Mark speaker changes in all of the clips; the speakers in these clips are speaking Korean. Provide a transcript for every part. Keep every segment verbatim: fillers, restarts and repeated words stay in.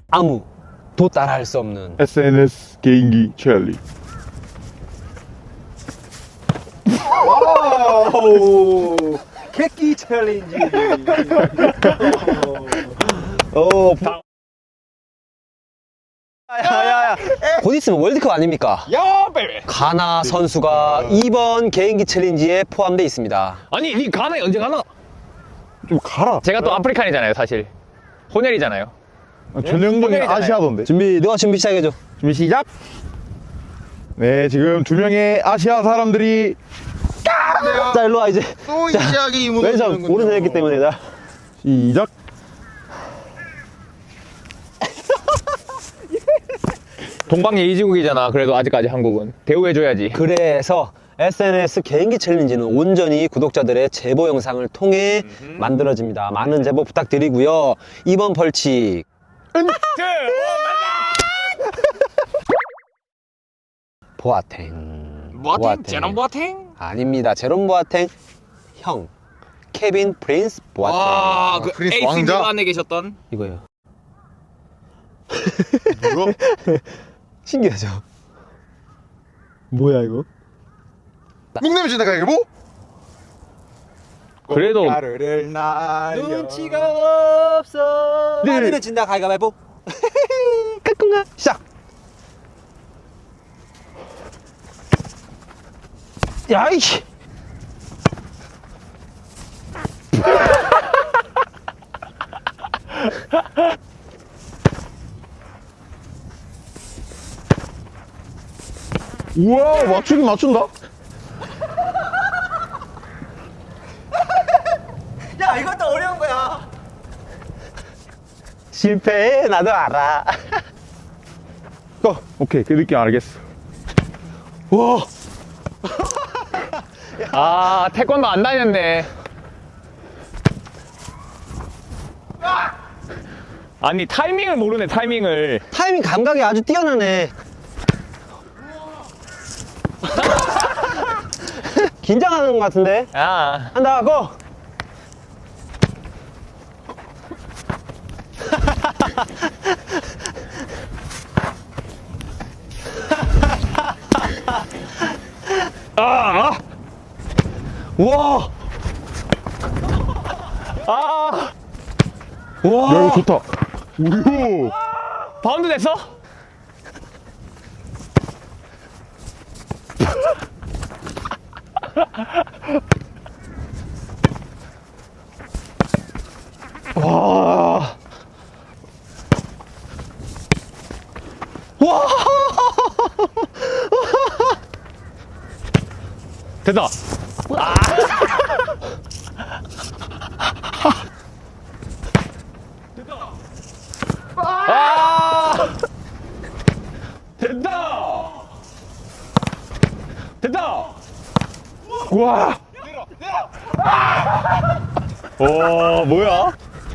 Speaker 1: 아무도 따라할 수 없는
Speaker 2: 에스엔에스 개인기 챌린지.
Speaker 1: 와우 개끼 챌린지. 오, 야야야, 곧 있으면 월드컵 아닙니까?
Speaker 3: 야, 베베.
Speaker 1: 가나 선수가 이번 개인기 챌린지에 포함되어 있습니다.
Speaker 3: 아니, 니 가나에 언제 가나?
Speaker 2: 좀 가라.
Speaker 3: 제가 또 아프리칸이잖아요, 사실. 혼혈이잖아요.
Speaker 2: 전형적인
Speaker 3: 혼혈이잖아요.
Speaker 2: 아시아던데.
Speaker 1: 준비, 너가 준비 시작해줘.
Speaker 2: 준비 시작. 네, 지금 두 명의 아시아 사람들이
Speaker 1: 자, 일로 와 이제.
Speaker 4: 또
Speaker 1: 자,
Speaker 4: 시작이
Speaker 1: 왼손
Speaker 4: 무너지는군요.
Speaker 1: 오른손 했기 때문에 나.
Speaker 2: 시작.
Speaker 3: 동방예의지국이잖아, 그래도 아직까지 한국은. 대우해줘야지.
Speaker 1: 그래서 에스엔에스 개인기 챌린지는 온전히 구독자들의 제보 영상을 통해 만들어집니다. 많은 제보 부탁드리고요. 이번 벌칙 보아탱.
Speaker 4: 보아탱? 제롬 보아탱?
Speaker 1: 아닙니다. 제롬 보아탱 형 케빈 프린스 보아탱.
Speaker 4: 와, 그
Speaker 2: 프린스
Speaker 4: 에이스
Speaker 2: 왕자.
Speaker 4: 안에 계셨던
Speaker 1: 이거예요.
Speaker 2: 뭐야?
Speaker 1: 신기하죠? 뭐야 이거?
Speaker 2: 묵내면 진다 가위바위보.
Speaker 3: 그래도
Speaker 2: 가루를 날려.
Speaker 1: 눈치가 없어.
Speaker 2: 네.
Speaker 1: 아니면 진다 가위바위보. 까꿍아 시작. 야이씨.
Speaker 2: 우와, 맞추긴 맞춘다.
Speaker 1: 야 이것도 어려운 거야. 실패해 나도 알아.
Speaker 2: 고. 오케이, 그 느낌 알겠어.
Speaker 1: 와.
Speaker 3: 아, 태권도 안 다녔네. 아니, 타이밍을 모르네, 타이밍을.
Speaker 1: 타이밍 감각이 아주 뛰어나네. 긴장하는 것 같은데.
Speaker 3: 아,
Speaker 1: 한다 고.
Speaker 3: 아,
Speaker 1: 와.
Speaker 3: 아,
Speaker 2: 야,
Speaker 1: 와.
Speaker 2: 이거 좋다. 우효.
Speaker 3: 바운드 됐어?
Speaker 1: 와. 와.
Speaker 3: 됐다. 아! 됐다! 됐다!
Speaker 2: 와.
Speaker 3: 와, 뭐야?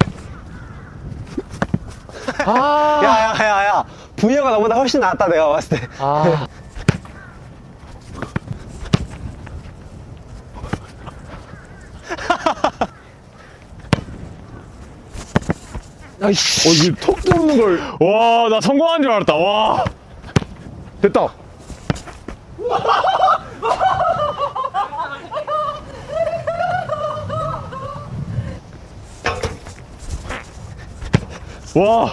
Speaker 3: 아,
Speaker 1: 야야야야. 부여가 너보다 훨씬 낫다 내가 봤을 때.
Speaker 3: 아.
Speaker 1: 아이씨.
Speaker 2: 어, 이거 턱도 없는 걸.
Speaker 3: 와, 나 성공한 줄 알았다. 와.
Speaker 2: 됐다.
Speaker 3: 와.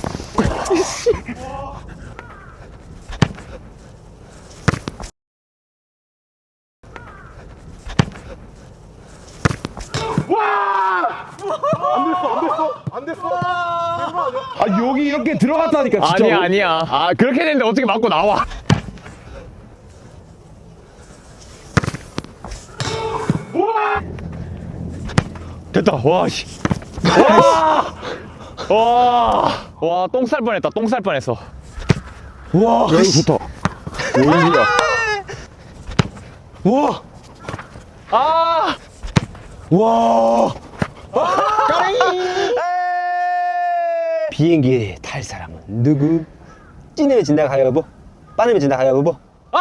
Speaker 2: 안 됐어. 아, 여기 이렇게 들어갔다니까, 진짜.
Speaker 3: 아니야, 아니야. 아, 그렇게 됐는데 어떻게 맞고 나와? 됐다. 와, 씨. 와! 와! 와, 똥 쌀 뻔했다. 똥 쌀 뻔했어.
Speaker 1: 와.
Speaker 2: 야, 이거 좋다. 오이야.
Speaker 1: 와.
Speaker 3: 아!
Speaker 1: 와. 비행기에 탈 사람은 누구? 찐내면 진다 가위바위보. 빠내면 진다 가위바위보. 아!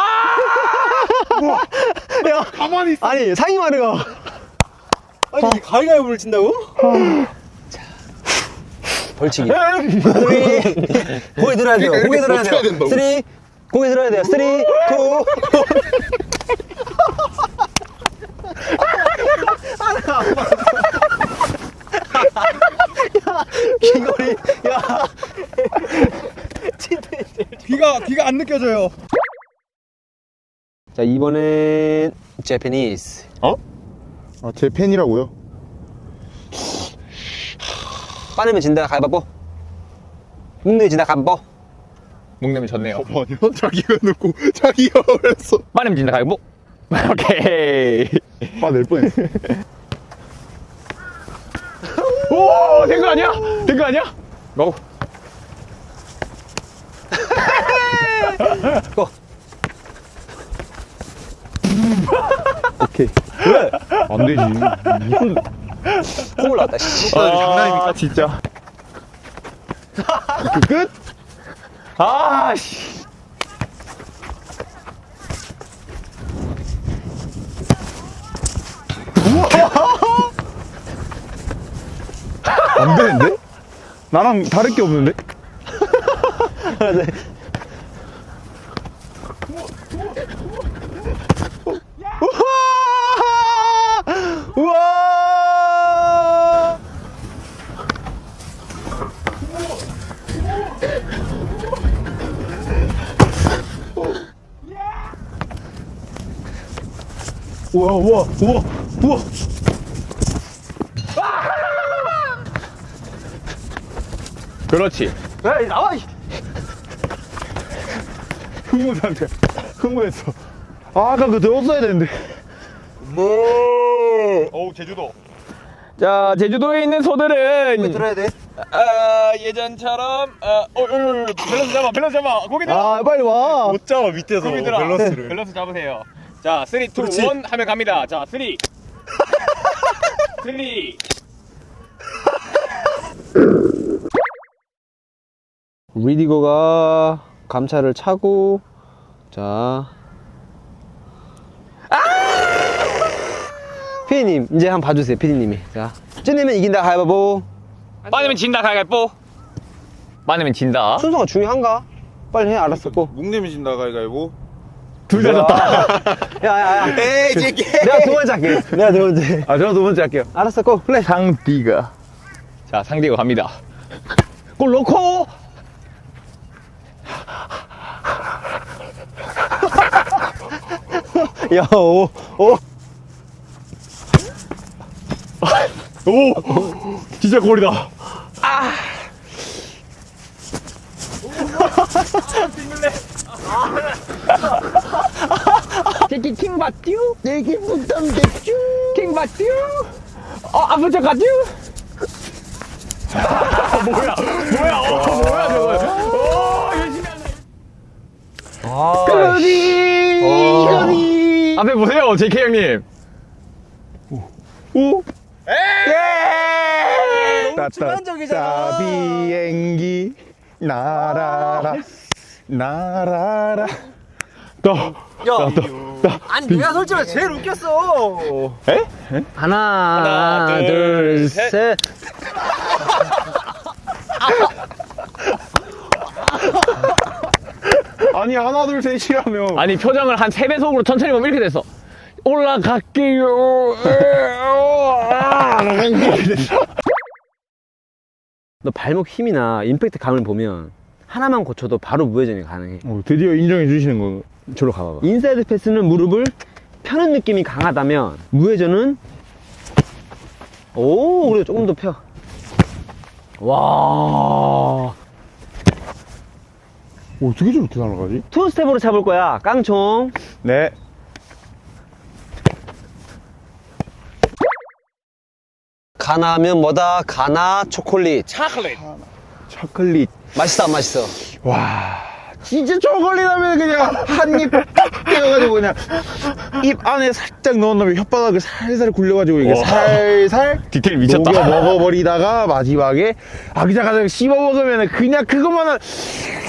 Speaker 1: 야,
Speaker 2: 가만히 있어.
Speaker 1: 아니 상의마르가. 아니 가위바위보를 친다고? 자, 벌칙이. 쓰리. 고개 들어야 돼요. 고개 들어야 돼요. 쓰리. 고개 들어야 돼요. 쓰리, 투. 귀걸이. 야.
Speaker 2: 귀가 귀가 안 느껴져요.
Speaker 1: 자, 이번엔 제페니스.
Speaker 2: 어? 아, 제 팬이라고요?
Speaker 1: 빠르면 진다. 가위바위보. 묵내면 진다. 가위바위보.
Speaker 3: 목내면 졌네요.
Speaker 2: 아니요. 자기가 놓고 자기가 그랬어.
Speaker 3: 빠르면 진다 가위보. 오케이.
Speaker 2: 빠낼 뻔했어.
Speaker 3: 오, 된 거 아니야? 된 거 아니야? 고.
Speaker 1: 고.
Speaker 2: 오케이. 왜? 안 되지. 무슨
Speaker 1: 콧물 나왔다. 씨.
Speaker 3: 장난입니까? 진짜.
Speaker 2: 끝?
Speaker 3: 아, 씨.
Speaker 2: 안 되는데? 나랑 다를 게 없는데?
Speaker 1: 우와!
Speaker 2: 우와 우와 우와 우와.
Speaker 3: 그렇지.
Speaker 1: 에이, 나와! 이.
Speaker 2: 흥분한테 흥분했어. 아, 아까 그거 들었어야 되는데.
Speaker 3: 오, 제주도. 자, 제주도에 있는 소들은
Speaker 1: 들어야 돼.
Speaker 3: 아, 예전처럼 아, 어, 어, 어, 밸런스 잡아, 밸런스 잡아. 고기 들어.
Speaker 2: 아, 빨리 와.
Speaker 5: 못 잡아 밑에서
Speaker 3: 고기 들어.
Speaker 5: 밸런스를.
Speaker 3: 밸런스 잡으세요. 자, 쓰리, 투,
Speaker 5: 그렇지.
Speaker 3: 원 하면 갑니다. 자, 쓰리. 쓰리.
Speaker 1: 리디거가 감차를 차고, 자. 아! 피디님, 이제 한번 봐주세요, 피디님이. 자. 찌내면 이긴다, 가위바위보.
Speaker 3: 빠지면 진다, 가위바위보. 빠지면 진다.
Speaker 1: 순서가 중요한가? 빨리 해, 알았었고.
Speaker 5: 묵내면 진다 가위가위보.
Speaker 3: 둘 다 졌다.
Speaker 1: 야, 야, 야.
Speaker 5: 에이 제게.
Speaker 1: 내가 두 번째 할게. 내가 두 번째.
Speaker 2: 아, 저는 두 번째 할게요.
Speaker 1: 알았었고, 플레이.
Speaker 2: 상디가.
Speaker 3: 자, 상대가 갑니다. 골 넣고.
Speaker 1: 야, 오, 오.
Speaker 2: 오, 진짜 골이다.
Speaker 3: 제키 킹 받듀? 제키 부담 대쭈? 킹 받듀? 어, 아픈 척 가듀? 뭐야, 뭐야, 어, 뭐야, 저거. 오, 열심히 한다.
Speaker 1: 아,
Speaker 3: 그러니, 이거니. 앞에 보세요, 제키 형님.
Speaker 2: 오,
Speaker 3: 예!
Speaker 2: 따따 따 비행기 날아라 날아라. 또
Speaker 1: 야, 아니, 내가 솔직히 제일 웃겼어.
Speaker 2: 에?
Speaker 1: 하나,
Speaker 3: 하나,
Speaker 1: 둘,
Speaker 3: 둘,
Speaker 1: 셋.
Speaker 3: 셋.
Speaker 2: 아니 하나 둘 셋이라며.
Speaker 3: 아니, 표정을 한 세 배속으로 천천히 보면 이렇게 됐어. 올라갈게요.
Speaker 1: 너 발목 힘이나 임팩트 감을 보면 하나만 고쳐도 바로 무회전이 가능해.
Speaker 2: 어, 드디어 인정해 주시는 거.
Speaker 1: 저로 가봐봐. 인사이드 패스는 무릎을 펴는 느낌이 강하다면 무회전은 오, 그래 조금 더 펴. 와,
Speaker 2: 어떻게 저렇게 날아가지?
Speaker 1: 투 스텝으로 잡을 거야. 깡총.
Speaker 2: 네.
Speaker 1: 가나면 뭐다? 가나 초콜릿.
Speaker 3: 차클릿.
Speaker 2: 초콜릿.
Speaker 1: 맛있어, 안 맛있어?
Speaker 2: 와, 진짜 초콜릿 하면 그냥 한입 떼어가지고 그냥 입 안에 살짝 넣은 다음에 혓바닥을 살살 굴려가지고 이게
Speaker 3: 와.
Speaker 2: 살살
Speaker 3: 디테일 미쳤다.
Speaker 2: 녹여 먹어버리다가 마지막에 아기자기하게 씹어 먹으면 그냥 그것만은